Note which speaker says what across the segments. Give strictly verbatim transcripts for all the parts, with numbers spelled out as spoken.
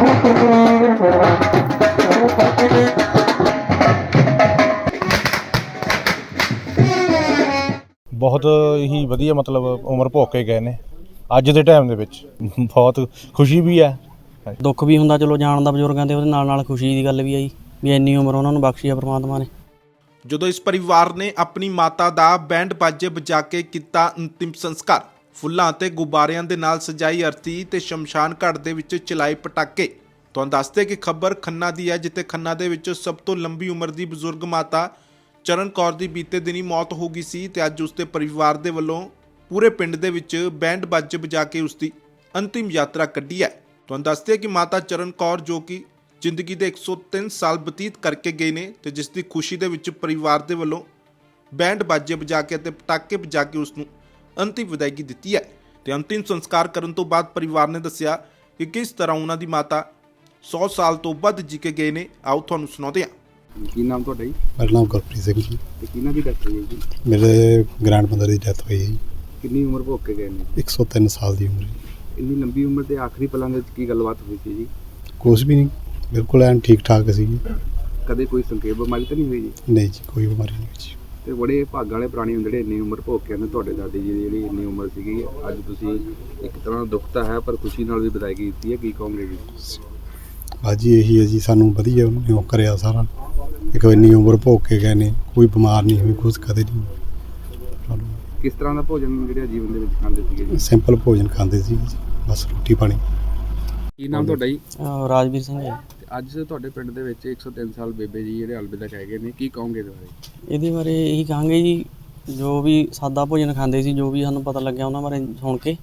Speaker 1: बहुत ही वधिया मतलब उम्र भोग के गए ने अज के टाइम दे विच बहुत खुशी भी है
Speaker 2: दुख भी हुंदा चलो जान दा बजुर्गां दे ओहदे नाल नाल खुशी दी गल भी आई भी इन्नी उम्र उन्हां नूं बख्शी है परमात्मा ने।
Speaker 3: ਜਦੋਂ ਇਸ ਪਰਿਵਾਰ ਨੇ ਆਪਣੀ ਮਾਤਾ ਦਾ ਬੈਂਡ ਬਾਜੇ ਵਜਾ ਕੇ ਕੀਤਾ ਅੰਤਿਮ ਸੰਸਕਾਰ, ਫੁੱਲਾਂ ਅਤੇ ਗੁਬਾਰਿਆਂ ਦੇ ਨਾਲ ਸਜਾਈ ਅਰਥੀ ਤੇ ਸ਼ਮਸ਼ਾਨ ਘਾਟ ਦੇ ਵਿੱਚ ਚਲਾਏ ਪਟਾਕੇ। ਤੁਹਾਨੂੰ ਦੱਸਦੇ ਕਿ ਖਬਰ ਖੰਨਾ ਦੀ ਹੈ, ਜਿੱਥੇ ਖੰਨਾ ਦੇ ਵਿੱਚ ਸਭ ਤੋਂ ਲੰਬੀ ਉਮਰ ਦੀ ਬਜ਼ੁਰਗ ਮਾਤਾ ਚਰਨ ਕੌਰ ਦੀ ਬੀਤੇ ਦਿਨੀ ਮੌਤ ਹੋ ਗਈ ਸੀ ਤੇ ਅੱਜ ਉਸਦੇ ਪਰਿਵਾਰ ਦੇ ਵੱਲੋਂ ਪੂਰੇ ਪਿੰਡ ਦੇ ਵਿੱਚ ਬੈਂਡ ਬਾਜੇ ਵਜਾ ਕੇ ਉਸਦੀ ਅੰਤਿਮ ਯਾਤਰਾ ਕੱਢੀ ਹੈ। ਤੁਹਾਨੂੰ ਦੱਸਦੇ ਕਿ ਮਾਤਾ ਚਰਨ ਕੌਰ ਜੋ ਕਿ ਜ਼ਿੰਦਗੀ ਦੇ ਇੱਕ ਸੌ ਤਿੰਨ ਸਾਲ ਬਤੀਤ ਕਰਕੇ ਗਏ ਨੇ ਤੇ ਜਿਸ ਦੀ ਖੁਸ਼ੀ ਦੇ ਵਿੱਚ ਪਰਿਵਾਰ ਦੇ ਵੱਲੋਂ ਬੈਂਡ ਬਾਜੇ ਵਜਾ ਕੇ ਅਤੇ ਪਟਾਕੇ ਵਜਾ ਕੇ ਉਸ ਨੂੰ ਅੰਤਿਮ ਵਿਦਾਇਗੀ ਦਿੱਤੀ ਹੈ। ਤੇ ਅੰਤਿਮ ਸੰਸਕਾਰ ਕਰਨ ਤੋਂ ਬਾਅਦ ਪਰਿਵਾਰ ਨੇ ਦੱਸਿਆ ਕਿ ਕਿਸ ਤਰ੍ਹਾਂ ਉਹਨਾਂ ਦੀ ਮਾਤਾ ਸੌ ਸਾਲ ਤੋਂ ਵੱਧ ਜੀ ਕੇ ਗਏ ਨੇ। ਆਓ ਤੁਹਾਨੂੰ ਸੁਣਾਉਂਦੇ ਹਾਂ।
Speaker 4: ਕੀ ਨਾਮ ਤੁਹਾਡਾ ਜੀ?
Speaker 5: ਮੇਰਾ ਨਾਮ ਗੁਰਪ੍ਰੀਤ ਸਿੰਘ ਜੀ।
Speaker 4: ਤੇ ਕਿਹਨਾਂ ਦੀ ਡੈਥ ਹੋਈ ਹੈ ਜੀ?
Speaker 5: ਮੇਰੇ ਗ੍ਰੈਂਡਮਦਰ ਦੀ ਡੈਥ ਹੋਈ ਹੈ ਜੀ।
Speaker 4: ਕਿੰਨੀ ਉਮਰ ਭੋਗ ਕੇ ਗਏ ਨੇ?
Speaker 5: ਇੱਕ ਸੌ ਤਿੰਨ ਸਾਲ ਦੀ ਉਮਰ ਜੀ।
Speaker 4: ਇੰਨੀ ਲੰਬੀ ਉਮਰ ਦੇ ਆਖਰੀ ਪਲਾਂ ਦੇ ਵਿੱਚ ਕੀ ਗੱਲਬਾਤ ਹੋਈ ਸੀ ਜੀ?
Speaker 5: ਕੁਛ ਵੀ ਨਹੀਂ, ਬਿਲਕੁਲ ਐਨ ਠੀਕ ਠਾਕ ਸੀ ਜੀ।
Speaker 4: ਕਦੇ ਕੋਈ ਸੰਖੇਪ ਬਿਮਾਰੀ ਤਾਂ ਨਹੀਂ ਹੋਈ ਜੀ?
Speaker 5: ਨਹੀਂ ਜੀ, ਕੋਈ ਬਿਮਾਰੀ ਨਹੀਂ ਹੋਈ ਜੀ।
Speaker 4: ਤੇ ਬੜੇ ਭਾਗਾਂ ਵਾਲੇ ਪ੍ਰਾਣੀ ਹੁੰਦੇ ਜਿਹੜੇ ਇੰਨੀ ਉਮਰ ਭੋਗ ਕੇ ਆਉਂਦੇ। ਤੁਹਾਡੇ ਦਾਦੀ ਜੀ ਦੀ ਜਿਹੜੀ ਇੰਨੀ ਉਮਰ ਸੀਗੀ, ਅੱਜ ਤੁਸੀਂ ਇੱਕ ਤਰ੍ਹਾਂ ਦਾ ਦੁੱਖ ਤਾਂ ਹੈ ਪਰ ਖੁਸ਼ੀ ਨਾਲ ਵੀ ਵਿਦਾਇਗੀ ਦਿੱਤੀ ਹੈ, ਕੀ ਕਹੋਗੇ ਜੀ?
Speaker 5: ਬਾਜੀ ਇਹੀ ਹੈ ਜੀ, ਸਾਨੂੰ ਵਧੀਆ ਉਹਨੇ ਉਹ ਕਰਿਆ ਸਾਰਾ। ਇੱਕ ਇੰਨੀ ਉਮਰ ਭੋਗ ਕੇ ਗਏ ਨੇ, ਕੋਈ ਬਿਮਾਰ ਨਹੀਂ ਹੋਈ, ਕੁਛ ਕਦੇ ਨਹੀਂ।
Speaker 4: ਕਿਸ ਤਰ੍ਹਾਂ ਦਾ ਭੋਜਨ ਜਿਹੜੇ ਜੀਵਨ ਦੇ ਵਿੱਚ ਖਾਂਦੇ ਸੀਗੇ ਜੀ?
Speaker 5: ਸਿੰਪਲ ਭੋਜਨ ਖਾਂਦੇ ਸੀ ਜੀ, ਬਸ ਰੋਟੀ ਪਾਣੀ।
Speaker 4: ਕੀ ਨਾਮ ਤੁਹਾਡਾ ਜੀ?
Speaker 2: ਅਹ ਰਾਜਵੀਰ ਸਿੰਘ ਹੈ।
Speaker 4: ਤੇ ਅੱਜ ਤੁਹਾਡੇ ਪਿੰਡ ਦੇ ਵਿੱਚ ਇੱਕ ਸੌ ਤਿੰਨ ਸਾਲ ਬੇਬੇ ਜੀ ਜਿਹੜੇ ਅਲਵਿਦਾ ਕਹਿ ਗਏ ਨੇ, ਕੀ ਕਹੋਗੇ ਇਹਦੇ ਬਾਰੇ?
Speaker 2: ਇਹਦੇ ਬਾਰੇ ਇਹੀ ਕਹਾਂਗੇ ਜੀ, ਜੋ ਵੀ ਸਾਦਾ ਭੋਜਨ ਖਾਂਦੇ ਸੀ, ਜੋ ਵੀ ਸਾਨੂੰ ਪਤਾ ਲੱਗਿਆ ਉਹਨਾਂ ਬਾਰੇ ਸੁਣ ਕੇ,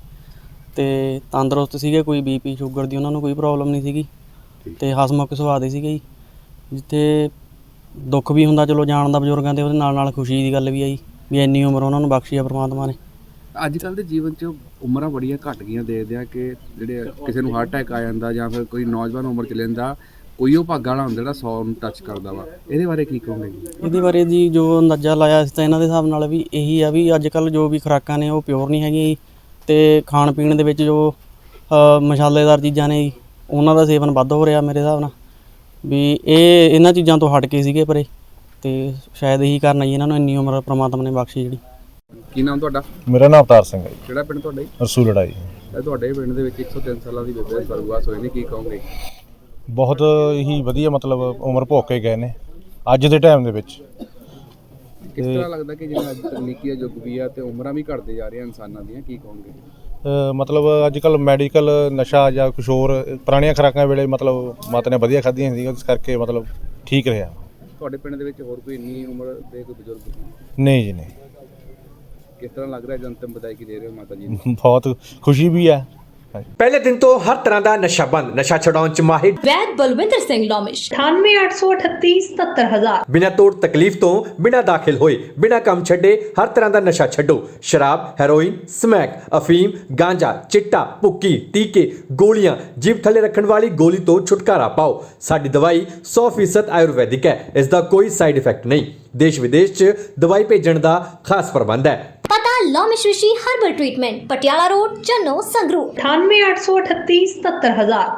Speaker 2: ਤੇ ਤੰਦਰੁਸਤ ਸੀਗੇ, ਕੋਈ ਬੀਪੀ ਸ਼ੂਗਰ ਦੀ ਉਹਨਾਂ ਨੂੰ ਕੋਈ ਪ੍ਰੋਬਲਮ ਨਹੀਂ ਸੀਗੀ ਤੇ ਹਸਮੁਖ ਸੁਭਾਅ ਦੇ ਸੀਗੇ ਜੀ। ਜਿੱਥੇ ਦੁੱਖ ਵੀ ਹੁੰਦਾ ਚਲੋ ਜਾਣ ਦਾ ਬਜ਼ੁਰਗਾਂ ਦੇ, ਉਹਦੇ ਨਾਲ ਨਾਲ ਖੁਸ਼ੀ ਦੀ ਗੱਲ ਵੀ ਆਈ ਵੀ ਇੰਨੀ ਉਮਰ ਉਹਨਾਂ ਨੂੰ ਬਖਸ਼ੀ ਆ ਪਰਮਾਤਮਾ ਨੇ।
Speaker 4: ਅੱਜ ਕੱਲ੍ਹ ਦੇ ਜੀਵਨ 'ਚ ਉਮਰਾਂ ਬੜੀਆਂ ਘੱਟ ਗਈਆਂ, ਦੇਖਦੇ ਆ ਕਿ ਜਿਹੜੇ ਕਿਸੇ ਨੂੰ ਹਾਰਟ ਅਟੈਕ ਆ ਜਾਂਦਾ ਜਾਂ ਫਿਰ ਕੋਈ ਨੌਜਵਾਨ ਉਮਰ 'ਚ ਲੈਂਦਾ, ਕੋਈ ਉਹ ਭਾਗਾਂ ਵਾਲਾ ਹੁੰਦਾ ਜਿਹੜਾ ਸੌ ਨੂੰ ਟੱਚ ਕਰਦਾ ਵਾ। ਇਹਦੇ ਬਾਰੇ ਕੀ ਕਹੋਗੇ ਜੀ?
Speaker 2: ਇਹਦੇ ਬਾਰੇ ਜੀ ਜੋ ਅੰਦਾਜ਼ਾ ਲਾਇਆ ਸੀ ਤਾਂ ਇਹਨਾਂ ਦੇ ਹਿਸਾਬ ਨਾਲ ਵੀ ਇਹੀ ਆ ਵੀ ਅੱਜ ਕੱਲ੍ਹ ਜੋ ਵੀ ਖੁਰਾਕਾਂ ਨੇ ਉਹ ਪਿਓਰ ਨਹੀਂ ਹੈਗੀਆਂ ਜੀ, ਅਤੇ ਖਾਣ ਪੀਣ ਦੇ ਵਿੱਚ ਜੋ ਮਸਾਲੇਦਾਰ ਚੀਜ਼ਾਂ ਨੇ ਜੀ ਉਹਨਾਂ ਦਾ ਸੇਵਨ ਵੱਧ ਹੋ ਰਿਹਾ ਮੇਰੇ ਹਿਸਾਬ ਨਾਲ, ਵੀ ਇਹ ਇਹਨਾਂ ਚੀਜ਼ਾਂ ਤੋਂ ਹਟ ਕੇ ਸੀਗੇ ਪਰੇ, ਅਤੇ ਸ਼ਾਇਦ ਇਹੀ ਕਾਰਨ ਜੀ ਇਹਨਾਂ ਨੂੰ ਇੰਨੀ ਉਮਰ ਪ੍ਰਮਾਤਮਾ ਨੇ ਬਖਸ਼ੀ ਜਿਹੜੀ।
Speaker 4: ਕੀ ਨਾਮ ਤੁਹਾਡਾ?
Speaker 1: मेरा नाम अवतार सिंह है जी।
Speaker 4: ਕਿਹੜਾ ਪਿੰਡ ਤੁਹਾਡਾ ਜੀ?
Speaker 1: रसूल लड़ाई
Speaker 4: ਇਹ ਤੁਹਾਡੇ ਪਿੰਡ ਦੇ ਵਿੱਚ ਇੱਕ ਸੌ ਤਿੰਨ ਸਾਲਾਂ ਦੀ ਬੇਬੇ ਸਰਗਵਾਸ ਹੋਏ ਨੇ, ਕੀ ਕਹੋਗੇ?
Speaker 1: ਬਹੁਤ ਹੀ ਵਧੀਆ मतलब ਉਮਰ ਭੋਗ ਕੇ ਗਏ ਨੇ ਅੱਜ ਦੇ ਟਾਈਮ ਦੇ ਵਿੱਚ।
Speaker 4: ਕਿਸ ਤਰ੍ਹਾਂ ਲੱਗਦਾ ਕਿ ਜਿਵੇਂ ਅੱਜ ਤਕਨੀਕੀ ਦਾ ਯੁੱਗ ਵੀ ਆ ਤੇ ਉਮਰਾਂ ਵੀ ਘਟਦੇ ਜਾ ਰਹੀਆਂ ਇਨਸਾਨਾਂ ਦੀਆਂ, ਕੀ ਕਹੋਗੇ?
Speaker 1: ਅ, ਮਤਲਬ ਅੱਜ ਕੱਲ੍ਹ ਮੈਡੀਕਲ ਨਸ਼ਾ ਜਾਂ ਕੁਛ ਹੋਰ ਪੁਰਾਣੀਆਂ ਖੁਰਾਕਾਂ ਵੇਲੇ ਮਤਲਬ ਮਾਤਾ ਨੇ ਵਧੀਆ ਖਾਧੀਆਂ ਸੀ, ਇਸ ਕਰਕੇ ਮਤਲਬ ਠੀਕ ਰਿਹਾ।
Speaker 4: ਤੁਹਾਡੇ ਪਿੰਡ ਦੇ ਵਿੱਚ ਹੋਰ ਕੋਈ ਇੰਨੀ ਉਮਰ ਦੇ ਕੋਈ ਬਜ਼ੁਰਗ?
Speaker 1: ਨਹੀਂ ਜੀ ਨਹੀਂ।
Speaker 4: ਕਿਸ ਤਰ੍ਹਾਂ ਲੱਗ ਰਿਹਾ ਜਨਤਮ ਵਿਦਾਇਗੀ ਦੇ ਰਹੇ ਹੋ ਮਾਤਾ ਜੀ ਨੂੰ?
Speaker 1: ਬਹੁਤ ਖੁਸ਼ੀ ਵੀ ਹੈ।
Speaker 6: ਪਹਿਲੇ ਦਿਨ ਤੋਂ ਹਰ ਤਰ੍ਹਾਂ ਦਾ ਨਸ਼ਾ ਬੰਦ, ਨਸ਼ਾ ਛਡਾਉਣ ਚ ਮਾਹਿਰ
Speaker 7: ਵੈਦ ਬਲਵਿੰਦਰ ਸਿੰਘ ਲੋਮਿਸ਼ ਅਠਾਨਵੇਂ ਅੱਠ ਸੌ ਅਠੱਤੀ ਸਤੱਤਰ ਹਜ਼ਾਰ।
Speaker 6: ਬਿਨਾਂ ਤੋੜ ਤਕਲੀਫ ਤੋਂ ਬਿਨਾਂ ਦਾਖਲ ਹੋਏ, ਬਿਨਾਂ ਕੰਮ ਛੱਡੇ ਹਰ ਤਰ੍ਹਾਂ ਦਾ ਨਸ਼ਾ ਛੱਡੋ। ਸ਼ਰਾਬ, ਹੈਰੋਇਨ, ਸਮੈਕ, ਅਫੀਮ, ਗਾਂਜਾ, ਚਿੱਟਾ, ਭੁੱਕੀ, ਟੀਕੇ, ਗੋਲੀਆਂ, ਜੀਭ ਥੱਲੇ ਰੱਖਣ ਵਾਲੀ ਗੋਲੀ ਤੋਂ ਛੁਟਕਾਰਾ ਪਾਓ। ਸਾਡੀ ਦਵਾਈ ਸੌ ਫੀਸਦ ਆਯੁਰਵੈਦਿਕ ਹੈ, ਇਸ ਦਾ ਕੋਈ ਸਾਈਡ ਇਫੈਕਟ ਨਹੀਂ। ਦੇਸ਼ ਵਿਦੇਸ਼ ਚ ਦਵਾਈ ਭੇਜਣ ਦਾ ਖਾਸ ਪ੍ਰਬੰਧ ਹੈ।
Speaker 7: ਪਤਾ Lomish Rishi herbal treatment, Patiala road, Channo, Sangrur. ਅਠਾਨਵੇਂ ਅੱਠ ਸੌ ਅਠੱਤੀ ਸਤੱਤਰ ਹਜ਼ਾਰ।